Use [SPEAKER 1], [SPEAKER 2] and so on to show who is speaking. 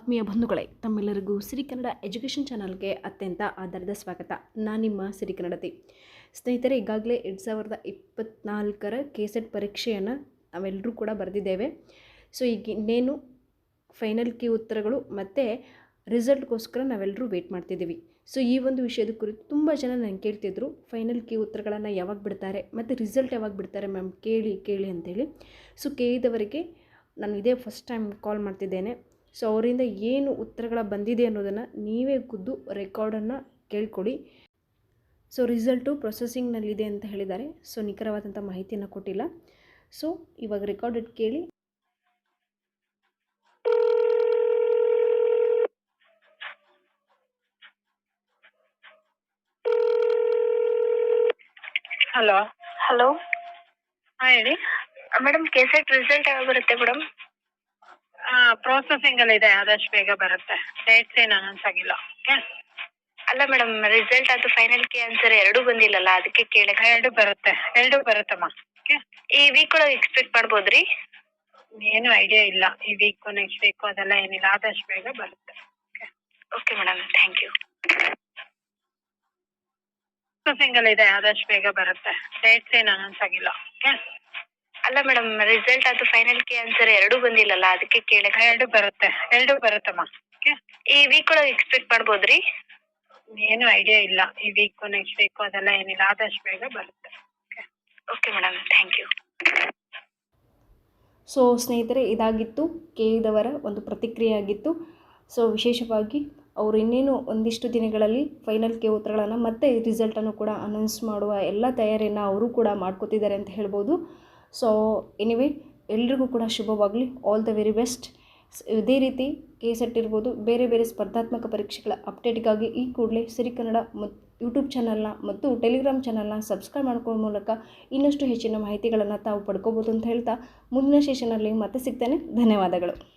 [SPEAKER 1] ಆತ್ಮೀಯ ಬಂಧುಗಳೇ, ತಮ್ಮೆಲ್ಲರಿಗೂ ಸಿರಿ ಕನ್ನಡ ಎಜುಕೇಷನ್ ಚಾನಲ್ಗೆ ಅತ್ಯಂತ ಆಧಾರದ ಸ್ವಾಗತ. ನಾನು ನಿಮ್ಮ ಸಿರಿ ಕನ್ನಡತಿ. ಸ್ನೇಹಿತರೆ, ಈಗಾಗಲೇ 2024ರ ಕೆಸೆಟ್ ಪರೀಕ್ಷೆಯನ್ನು ನಾವೆಲ್ಲರೂ ಕೂಡ ಬರೆದಿದ್ದೇವೆ. ಸೊ ಈಗ ಇನ್ನೇನು ಫೈನಲ್ ಕೀ ಉತ್ತರಗಳು ಮತ್ತು ರಿಸಲ್ಟ್ಗೋಸ್ಕರ ನಾವೆಲ್ಲರೂ ವೆಯ್ಟ್ ಮಾಡ್ತಿದ್ದೀವಿ. ಸೊ ಈ ಒಂದು ವಿಷಯದ ಕುರಿತು ತುಂಬ ಜನ ನನಗೆ ಕೇಳ್ತಿದ್ರು, ಫೈನಲ್ ಕೀ ಉತ್ತರಗಳನ್ನು ಯಾವಾಗ ಬಿಡ್ತಾರೆ ಮತ್ತು ರಿಸಲ್ಟ್ ಯಾವಾಗ ಬಿಡ್ತಾರೆ ಮ್ಯಾಮ್, ಕೇಳಿ ಅಂತೇಳಿ. ಸೊ ಕೇಳಿದವರಿಗೆ ನಾನು ಇದೇ ಫಸ್ಟ್ ಟೈಮ್ ಕಾಲ್ ಮಾಡ್ತಿದ್ದೇನೆ. ಸೊ ಅವರಿಂದ ಏನು ಉತ್ತರಗಳ ಬಂದಿದೆ ಅನ್ನೋದನ್ನು ನೀವೇ ಖುದ್ದು ರೆಕಾರ್ಡನ್ನು ಕೇಳ್ಕೊಳ್ಳಿ. ಸೊ ರಿಸಲ್ಟು ಪ್ರೊಸೆಸಿಂಗ್ನಲ್ಲಿದೆ ಅಂತ ಹೇಳಿದ್ದಾರೆ. ಸೊ ನಿಖರವಾದಂಥ ಮಾಹಿತಿಯನ್ನು ಕೊಟ್ಟಿಲ್ಲ. ಸೊ ಇವಾಗ ರೆಕಾರ್ಡೆಡ್ ಕೇಳಿ.
[SPEAKER 2] ಹಲೋ
[SPEAKER 3] ಹಲೋ
[SPEAKER 2] ಹಾಂ ಹೇಳಿ.
[SPEAKER 3] ಮೇಡಮ್, ಕೆಸೆಟ್ ರಿಸಲ್ಟ್ ಯಾವಾಗ ಬರುತ್ತೆ ಮೇಡಮ್?
[SPEAKER 2] ಪ್ರೊಸೆಸಿಂಗ್ ಅಲ್ಲಿ ಇದೆ, ಆದಷ್ಟು ಬೇಗ ಬರುತ್ತೆ. ಡೇಟ್ಸ್ ಏನು ಅನೌನ್ಸ್ ಆಗಿಲ್ಲ. ಓಕೆ.
[SPEAKER 3] ಅಲ್ಲ ಮೇಡಮ್, ರಿಸಲ್ಟ್ ಅದು ಫೈನಲ್ ಕೀ ಆನ್ಸರ್ ಎರಡೂ ಬಂದಿಲ್ಲಲ್ಲ, ಅದಕ್ಕೆ ಕೇಳಕ್ಕೆ.
[SPEAKER 2] ಎರಡು ಬರುತ್ತಮ್ಮ. ಓಕೆ.
[SPEAKER 3] ಈ ವೀಕ್ ಒಳಗೆ ಎಕ್ಸ್ಪೆಕ್ಟ್ ಮಾಡ್ಬೋದ್ರಿ?
[SPEAKER 2] ಏನು ಐಡಿಯಾ ಇಲ್ಲ, ಈ ವೀಕು ನೆಕ್ಸ್ಟ್ ವೀಕು ಅದೆಲ್ಲ ಏನಿಲ್ಲ, ಆದಷ್ಟು ಬೇಗ ಬರುತ್ತೆ.
[SPEAKER 3] Okay madam, thank you.
[SPEAKER 2] Processing ಅಲ್ಲಿ ಇದೆ, ಆದಷ್ಟು ಬೇಗ ಬರುತ್ತೆ. ಡೇಟ್ಸ್ ಏನು ಅನೌನ್ಸ್ ಆಗಿಲ್ಲ. ಓಕೆ.
[SPEAKER 3] ಅಲ್ಲ ಮೇಡಮ್, ರಿಸಲ್ಟ್ ಅದು ಫೈನಲ್ ಕೀ ಆನ್ಸರ್ ಎರಡೂ ಬಂದಿಲ್ಲಲ್ಲ, ಅದಕ್ಕೆ ಕೇಳಕ್ಕೆ.
[SPEAKER 2] ಎರಡು ಬರುತ್ತಮ್ಮ. ಓಕೆ.
[SPEAKER 3] ಈ ವೀಕ್ ಒಳಗೆ ಎಕ್ಸ್ಪೆಕ್ಟ್ ಮಾಡ್ಬೋದ್ರಿ?
[SPEAKER 2] ಏನು ಐಡಿಯಾ ಇಲ್ಲ, ಈ ವೀಕು ನೆಕ್ಸ್ಟ್ ವೀಕು ಅದೆಲ್ಲ ಏನಿಲ್ಲ, ಆದಷ್ಟು ಬೇಗ ಬರುತ್ತೆ.
[SPEAKER 3] Okay madam, thank you.
[SPEAKER 1] So ಸ್ನೇಹಿತರೆ, ಇದಾಗಿತ್ತು ಕೇಳಿದವರ ಒಂದು ಪ್ರತಿಕ್ರಿಯೆ ಆಗಿತ್ತು. ಸೊ ವಿಶೇಷವಾಗಿ ಅವರು ಇನ್ನೇನು ಒಂದಿಷ್ಟು ದಿನಗಳಲ್ಲಿ ಫೈನಲ್ ಕೀ ಉತ್ತರಗಳನ್ನು ಮತ್ತು ರಿಸಲ್ಟನ್ನು ಕೂಡ ಅನೌನ್ಸ್ ಮಾಡುವ ಎಲ್ಲ ತಯಾರಿಯನ್ನು ಅವರು ಕೂಡ ಮಾಡ್ಕೋತಿದ್ದಾರೆ ಅಂತ ಹೇಳ್ಬೋದು. ಸೊ ಎನಿವೇ, ಎಲ್ರಿಗೂ ಕೂಡ ಶುಭವಾಗಲಿ. All the very best. ಇದೇ ರೀತಿ ಕೆಸೆಟ್ ಇರ್ಬೋದು, ಬೇರೆ ಬೇರೆ ಸ್ಪರ್ಧಾತ್ಮಕ ಪರೀಕ್ಷೆಗಳ ಅಪ್ಡೇಟ್ಗಾಗಿ ಈ ಕೂಡಲೇ ಸಿರಿ ಕನ್ನಡ ಯೂಟ್ಯೂಬ್ ಚಾನಲ್ನ ಮತ್ತು ಟೆಲಿಗ್ರಾಮ್ ಚಾನಲ್ನ ಸಬ್ಸ್ಕ್ರೈಬ್ ಮಾಡ್ಕೊಳ್ಳೋ ಮೂಲಕ ಇನ್ನಷ್ಟು ಹೆಚ್ಚಿನ ಮಾಹಿತಿಗಳನ್ನು ತಾವು ಪಡ್ಕೋಬೋದು ಅಂತ ಹೇಳ್ತಾ ಮುಂದಿನ ಸೆಷನಲ್ಲಿ ಮತ್ತೆ ಸಿಗ್ತೇನೆ. ಧನ್ಯವಾದಗಳು.